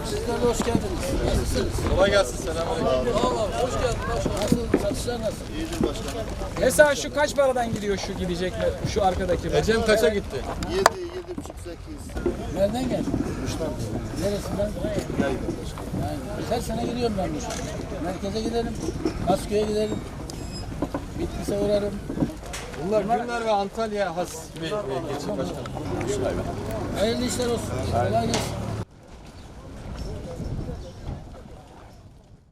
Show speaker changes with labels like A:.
A: Sizler de hoş geldiniz. Nasılsınız?
B: Kolay gelsin, selamünaleyküm.
A: Allah hoş geldin. Nasıl? Satışlar nasıl? İyidir başkanım.
C: Mesela şu kaç paradan gidiyor şu gidecek mi? Şu arkadaki mi?
B: Ecem kaça gitti?
D: 7, 7,5, 8.
A: Nereden geldin? Kuşlar. Neresinden?
D: Yayın başkanım.
A: Yani her sene gidiyorum ben bu. Merkeze giderim. Asköy'e giderim. Bitlis'e uğrarım.
B: Bunlar Günler ve Antalya has bir geçim başkanım.
A: Hayırlı işler olsun. Kolay gelsin.